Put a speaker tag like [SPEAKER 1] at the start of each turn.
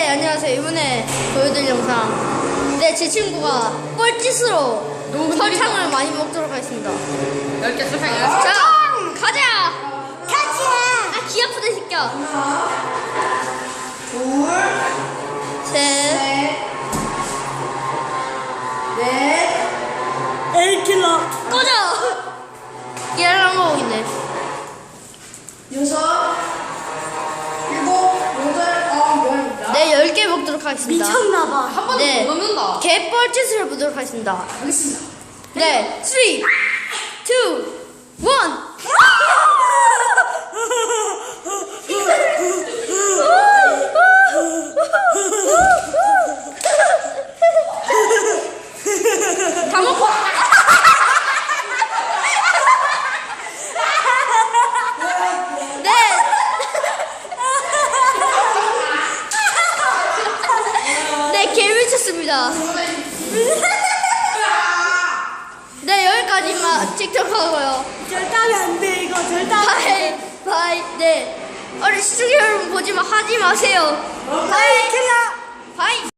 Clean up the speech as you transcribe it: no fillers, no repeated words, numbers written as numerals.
[SPEAKER 1] 안녕하세요. 이번에 보여드릴 영상. 네, 제 친구가 뻘짓으로 설탕을 많이 먹도록 하겠습니다.
[SPEAKER 2] 10개 설탕
[SPEAKER 1] 자, 가자! 아, 귀 아프다, 이 새끼야.
[SPEAKER 3] 하나, 둘,
[SPEAKER 1] 셋,
[SPEAKER 3] 넷,
[SPEAKER 1] 엘킬러. 꺼져! 얘랑 먹이네.
[SPEAKER 3] 여섯, 일곱, 여덟, 아홉, 열입니다.
[SPEAKER 1] 네, 10개 먹도록 하겠습니다.
[SPEAKER 3] 미쳤나봐.
[SPEAKER 2] 한 번도
[SPEAKER 1] 네.
[SPEAKER 2] 못 넣는다.
[SPEAKER 1] 개뻘짓을 보도록 하겠습니다.
[SPEAKER 3] 알겠습니다.
[SPEAKER 1] 네, 3, 2, 1. 다 먹고. 네. 네, 개 미쳤습니다. 네, 여기까지만 틱톡 하고요.
[SPEAKER 3] 절단이 안 돼, 이거 절단.
[SPEAKER 1] 바이, 바이. 네. 어린 시청자 여러분 보지만 하지 마세요. 바이, 바이.